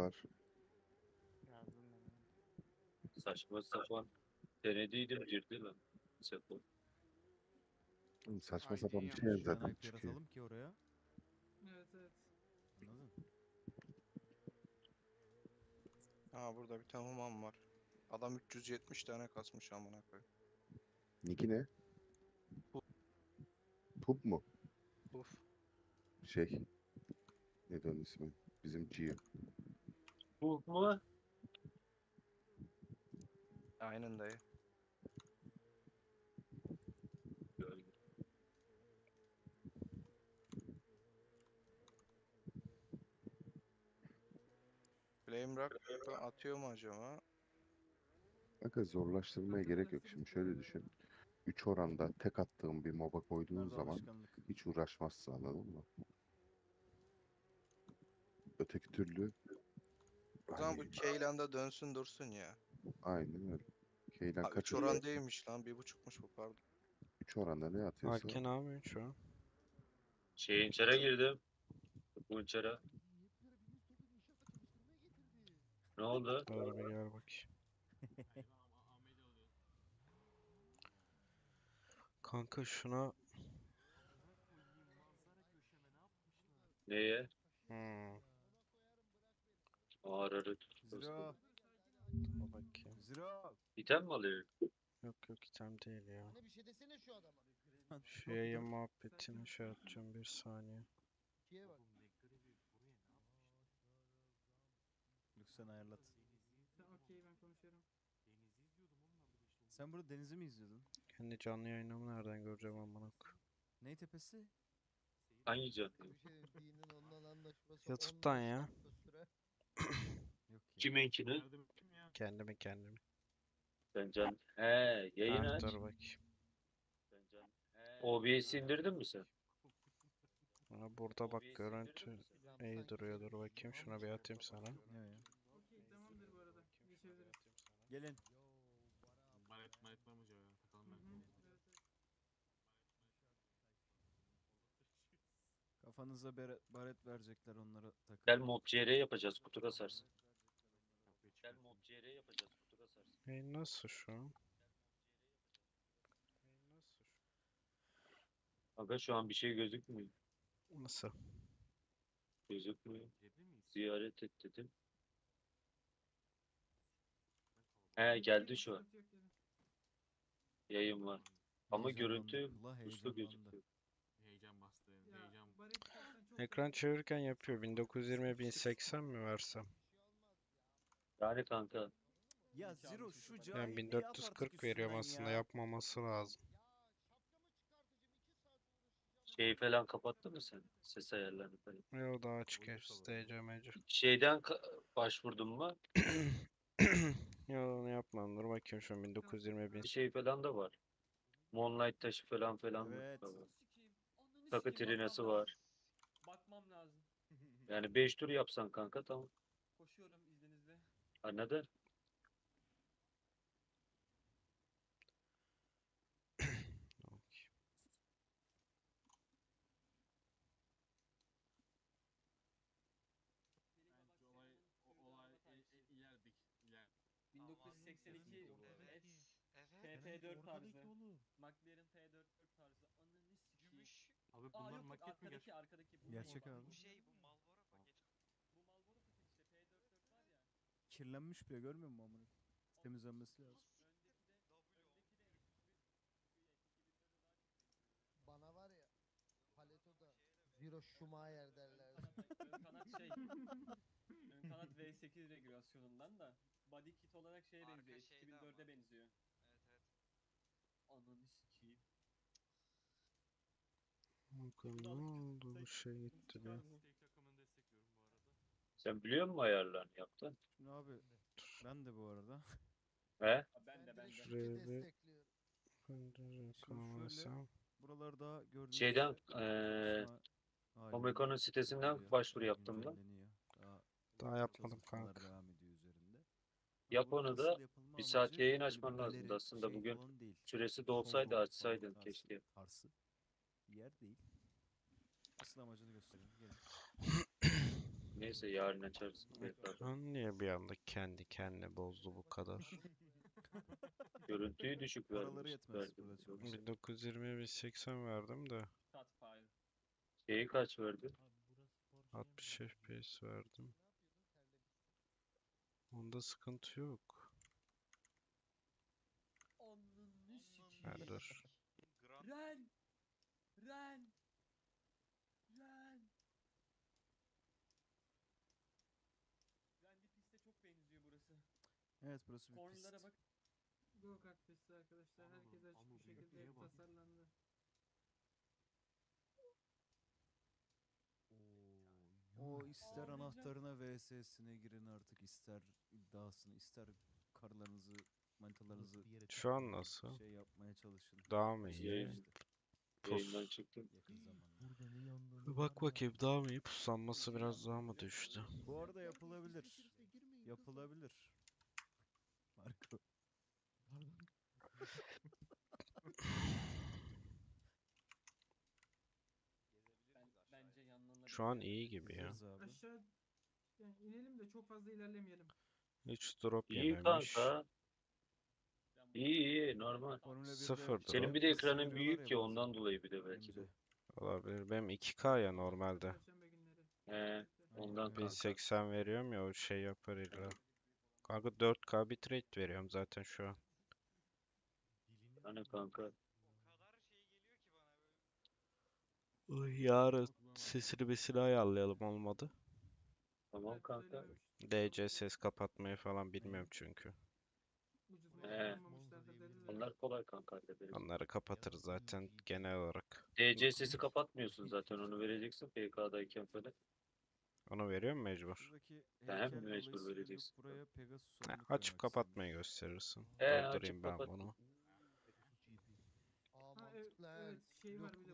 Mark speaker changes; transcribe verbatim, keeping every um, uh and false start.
Speaker 1: var.
Speaker 2: Yazdım ben onu.
Speaker 3: Saçma sapan. Denediydim girdi lan. Sepo.
Speaker 1: Oğlum saçma
Speaker 2: I D'yi
Speaker 1: sapan bir şey
Speaker 2: yanlış
Speaker 4: Neden
Speaker 1: zaten
Speaker 4: I P
Speaker 1: çıkıyor.
Speaker 4: yaratalım ki oraya?
Speaker 5: Evet evet.
Speaker 4: Anladın?
Speaker 6: Ha burada bir tane human var. Adam üç yüz yetmiş tane kasmış amına koyayım.
Speaker 1: Niki ne? Pup mu?
Speaker 6: Uf.
Speaker 1: Şey. Neydi onun ismi? Bizim Gio.
Speaker 3: Bu mu?
Speaker 6: Aynen dayı.
Speaker 3: Gördüm.
Speaker 6: Flame Rock atıyor mu acaba?
Speaker 1: Kanka zorlaştırmaya gerek yok. Şimdi şöyle düşün. üç oranda tek attığın bir moba koyduğun
Speaker 4: Bunlar da
Speaker 1: zaman
Speaker 4: alışkanlık.
Speaker 1: hiç uğraşmazsın, anladın mı? Öteki türlü
Speaker 6: O zaman bu
Speaker 1: hani
Speaker 6: Keylan'da dönsün dursun ya.
Speaker 1: aynen öyle. Keylen
Speaker 6: Ha
Speaker 1: kaç
Speaker 6: üç
Speaker 1: atıyor?
Speaker 6: oran değilmiş lan. bir buçukmuş bu pardon.
Speaker 1: üç oranda ne atıyorsa
Speaker 2: Alken ne yapıyorsun şu an?
Speaker 3: Şeyin içeri girdim. Bu içeri. Ne oldu?
Speaker 2: Dur bir gel bakayım. Kanka şuna...
Speaker 3: Neye?
Speaker 2: Hmm.
Speaker 3: Ağrı.
Speaker 4: Zero.
Speaker 2: Dur bakayım.
Speaker 4: Zero.
Speaker 3: İtem mi alıyor?
Speaker 2: Yok yok item değil ya.
Speaker 7: Hani bir şey desene şu adama.
Speaker 2: Şu yayın muhabbetini şey atacağım bir saniye.
Speaker 7: İkiye bak.
Speaker 4: Lütfen ayarlat.
Speaker 5: Tamam okey ben konuşuyorum.
Speaker 4: Sen burada denizi mi izliyordun?
Speaker 2: Kendi canlı yayınımı nereden göreceğim amına koyayım?
Speaker 4: Ney tepesi?
Speaker 3: Hangi canlı?
Speaker 7: Bir şey dinin ondan anlaşması.
Speaker 2: YouTube'dan
Speaker 7: on beş
Speaker 2: ya.
Speaker 7: dakika süre.
Speaker 4: Yok ya.
Speaker 3: Kiminkini?
Speaker 2: Kendimi kendimi.
Speaker 3: Sen can. He, yayın
Speaker 2: Ha,
Speaker 3: aç.
Speaker 2: dur bakayım.
Speaker 3: O B S'i indirdin mi sen?
Speaker 2: Ha, burada bak görüntü
Speaker 7: Hocam
Speaker 2: iyi
Speaker 7: sanki
Speaker 2: duruyor, dur
Speaker 7: bir
Speaker 2: bakayım
Speaker 7: şey
Speaker 2: şuna bir atayım sana.
Speaker 4: Ne o ya?
Speaker 5: Okey tamamdır bu arada. Geçebiliriz.
Speaker 4: Gelin.
Speaker 8: Baret baret var mı acaba ya? Takalım
Speaker 5: Hı hı,
Speaker 8: belki.
Speaker 5: evet, evet.
Speaker 4: Kafanıza bere- baret verecekler, onlara takın.
Speaker 3: Gel Mob C R yapacağız. Kutu kasarsın. Gel Mob C R yapacağız. Kutu kasarsın.
Speaker 2: E nasıl şu an? E nasıl şu?
Speaker 3: Aga şu an bir şey gözükmüyor.
Speaker 2: Nasıl?
Speaker 3: Gözükmüyor.
Speaker 8: Girebilir miyiz?
Speaker 3: Ziyaret et dedim. He geldi şu an.
Speaker 5: Sıkıntı yok, gelin.
Speaker 3: Yayın var. Ama
Speaker 4: Heyecanlandı,
Speaker 3: görüntü
Speaker 4: kulağa
Speaker 3: usta
Speaker 4: heyecanlandı.
Speaker 3: gözüküyor.
Speaker 8: Heyecan bastı.
Speaker 5: Ya,
Speaker 8: Heyecan.
Speaker 5: Barış istersen çok
Speaker 2: Ekran
Speaker 5: rahat-
Speaker 2: çevirirken yapıyor. bin dokuz yüz yirmi bin seksen mi versem?
Speaker 3: Yani kanka.
Speaker 4: Ya Zero şu
Speaker 2: Yani
Speaker 4: cahilliği
Speaker 2: bin
Speaker 4: at
Speaker 2: dört
Speaker 4: artık
Speaker 2: yüz kırk veriyorum
Speaker 4: üstünden
Speaker 2: aslında,
Speaker 4: ya.
Speaker 2: yapmaması lazım.
Speaker 3: Şeyi falan kapattın mı sen? Ses ayarlarını falan.
Speaker 2: Yo daha açık hepsi D C M C.
Speaker 3: Şeyden ka- başvurdun mu?
Speaker 2: Yo onu yapmam, dur bakayım şu an bin dokuz yüz yirmi bin.
Speaker 3: Bir şey falan da var. Moonlight taşı falan falan var.
Speaker 4: Evet.
Speaker 3: Tamam.
Speaker 9: Sikeyim. Ananı
Speaker 3: Takı
Speaker 9: sikeyim,
Speaker 3: trinesi
Speaker 9: bakmam
Speaker 3: var.
Speaker 9: lazım. Bakmam lazım.
Speaker 3: Yani beş tur yapsan kanka tamam.
Speaker 9: Koşuyorum izninizle.
Speaker 3: Anladın?
Speaker 8: Bence olay o, olay e, e, ilerdik. İler.
Speaker 9: bin dokuz yüz seksen iki
Speaker 10: Evet. Evet.
Speaker 9: T T dört tarzı. McLaren T dört tarzı. Ananı sikeyim.
Speaker 10: Gümüş.
Speaker 8: Abi
Speaker 9: Aa
Speaker 8: bunlar
Speaker 9: yok yok
Speaker 8: maket mi
Speaker 9: arkadaki
Speaker 8: gerçek?
Speaker 9: arkadaki. Bu
Speaker 4: Gerçek
Speaker 9: bu-
Speaker 4: abi.
Speaker 10: Bu şey bu Malboro paket.
Speaker 9: Bu Marlboro paket işte T dört dört var ya.
Speaker 4: Kirlenmiş bile, görmüyor musun amına? Temizlenmesi lazım.
Speaker 9: Öndeki de
Speaker 10: W
Speaker 9: öndeki de iki bin iki bin dörde daha çok benziyor.
Speaker 7: Bana var ya. Paleto'da Zero Schumacher derlerdi.
Speaker 9: Ön kanat şey. Ön kanat V sekiz regülasyonundan da body kit olarak şeye
Speaker 10: Arka
Speaker 9: benziyor.
Speaker 10: şeyde
Speaker 9: iki bin dörde
Speaker 10: ama.
Speaker 9: benziyor.
Speaker 10: Evet evet.
Speaker 9: Ananı sikeyim.
Speaker 2: Bakın ne oldu, bu şey gitti be.
Speaker 8: Steak takımını destekliyorum bu arada.
Speaker 3: Sen biliyor musun ayarlarını yaptın?
Speaker 4: Şimdi abi ben de bu arada.
Speaker 3: He?
Speaker 9: Ha, ben de ben
Speaker 7: direkt
Speaker 9: de.
Speaker 2: Şuraya
Speaker 7: iki
Speaker 2: bir-
Speaker 7: destekliyorum.
Speaker 4: şöyle-
Speaker 2: Kanalısam.
Speaker 4: Buralarda gördüğünüz
Speaker 3: Şeyden
Speaker 4: kısma
Speaker 3: eee
Speaker 4: halinde
Speaker 3: Omekon'un sitesinden
Speaker 4: oluyor.
Speaker 3: başvuru
Speaker 4: Daha
Speaker 3: yaptım lan.
Speaker 4: güncelleniyor. Daha
Speaker 2: Daha yapmadım
Speaker 4: çalışmalar
Speaker 2: kanka.
Speaker 4: devam ediyor üzerinde.
Speaker 3: Yap
Speaker 4: Bunun
Speaker 3: onu
Speaker 4: asıl
Speaker 3: da
Speaker 4: yapılma
Speaker 3: bir saat
Speaker 4: amacı
Speaker 3: yayın
Speaker 4: böyle bir
Speaker 3: açman lazımdı
Speaker 4: galeri,
Speaker 3: aslında
Speaker 4: şey
Speaker 3: bugün.
Speaker 4: falan değil.
Speaker 3: Süresi de olsaydı
Speaker 4: Showroom
Speaker 3: açsaydın
Speaker 4: falan
Speaker 3: keşke.
Speaker 4: tarzı bir yer değil. Asıl amacını göstereyim. Gelin.
Speaker 3: Neyse yarın açarsın. tekrar.
Speaker 2: Ekran niye bir anda kendi kendine bozdu bu kadar?
Speaker 3: Görüntüyü düşük
Speaker 4: Paraları
Speaker 3: vermiş.
Speaker 4: yetmez
Speaker 3: verdim.
Speaker 4: burada çok.
Speaker 2: bin dokuz yüz yirmi bin seksen verdim de
Speaker 9: Shotfire.
Speaker 3: Şeyi kaç verdi?
Speaker 2: altmış F P S verdim. Onda sıkıntı yok.
Speaker 9: Ananı
Speaker 2: Ha,
Speaker 9: sikeyim.
Speaker 2: dur.
Speaker 9: Ren! Ren! Ren! Ren bir piste çok benziyor burası.
Speaker 4: Evet burası bir
Speaker 5: Go
Speaker 9: Kornlara
Speaker 4: pist.
Speaker 9: bak.
Speaker 5: kart pisti arkadaşlar. Herkes açık bir şekilde tasarlandı.
Speaker 4: O ister
Speaker 9: Ağlayacağım.
Speaker 4: anahtarına V S'sine girin artık, ister iddiasını, ister karılarınızı, manitalarınızı
Speaker 2: Şu an nasıl?
Speaker 4: şey yapmaya çalışın.
Speaker 2: Daha mı iyi?
Speaker 3: Yayın-
Speaker 4: İşte
Speaker 3: Yayından
Speaker 2: Pus.
Speaker 3: çıktım.
Speaker 4: yakın zamanda.
Speaker 2: Bir bak bakayım daha mı iyi? Puslanması biraz daha mı düştü?
Speaker 4: Bu arada yapılabilir. Yapılabilir. Marco.
Speaker 9: Ben, bence yanlarına
Speaker 2: Şu an iyi gibi ya.
Speaker 4: Gideriz abi.
Speaker 5: Aşağı yani inelim de çok fazla ilerlemeyelim.
Speaker 2: Hiç drop
Speaker 3: İyi
Speaker 2: yememiş.
Speaker 3: kanka. İyi iyi normal.
Speaker 4: Formula birde
Speaker 2: Sıfır drop.
Speaker 3: Senin bir de
Speaker 4: pist
Speaker 3: ekranın
Speaker 4: veriyorlar
Speaker 3: büyük
Speaker 4: ya
Speaker 3: ki
Speaker 4: bazen
Speaker 3: ondan dolayı bir de belki de.
Speaker 4: önümüze.
Speaker 2: Olabilir. Benim iki K ya normalde.
Speaker 5: Perşembe günleri.
Speaker 3: He, ondan
Speaker 2: bin
Speaker 3: kanka.
Speaker 2: seksen veriyorum ya o şey yapar illa. Kanka dört K bitrate veriyorum zaten şu an.
Speaker 3: Hani kanka.
Speaker 10: O kadar şey geliyor ki bana böyle.
Speaker 2: Yarın sesini besini ayarlayalım olmadı.
Speaker 3: Tamam
Speaker 5: Evet,
Speaker 3: kanka.
Speaker 5: söylememiştim.
Speaker 2: D C ses kapatmayı falan bilmiyorum çünkü.
Speaker 5: Ucuz
Speaker 3: He.
Speaker 5: mal bulamamışlardır dediler.
Speaker 3: Onlar kolay kanka hallederiz.
Speaker 2: Onları kapatırız zaten genel olarak.
Speaker 3: D C sesi kapatmıyorsun zaten onu vereceksin P K'dayken falan.
Speaker 2: Onu veriyor mu mecbur?
Speaker 4: Şuradaki
Speaker 3: Hem
Speaker 4: heykel
Speaker 3: mecbur
Speaker 4: dolayısıyla deyip
Speaker 3: vereceksin.
Speaker 4: buraya Pegasus
Speaker 2: Ha,
Speaker 4: oyunu
Speaker 2: açıp
Speaker 4: koymak
Speaker 2: kapatmayı
Speaker 4: istemiş.
Speaker 2: gösterirsin.
Speaker 3: He,
Speaker 2: Durdurayım
Speaker 3: açıp
Speaker 2: ben
Speaker 3: kapat.
Speaker 2: bunu.
Speaker 7: Aa
Speaker 5: Ha, evet,
Speaker 7: mantıklı ha.
Speaker 5: evet şey var
Speaker 7: Yok,
Speaker 5: bir de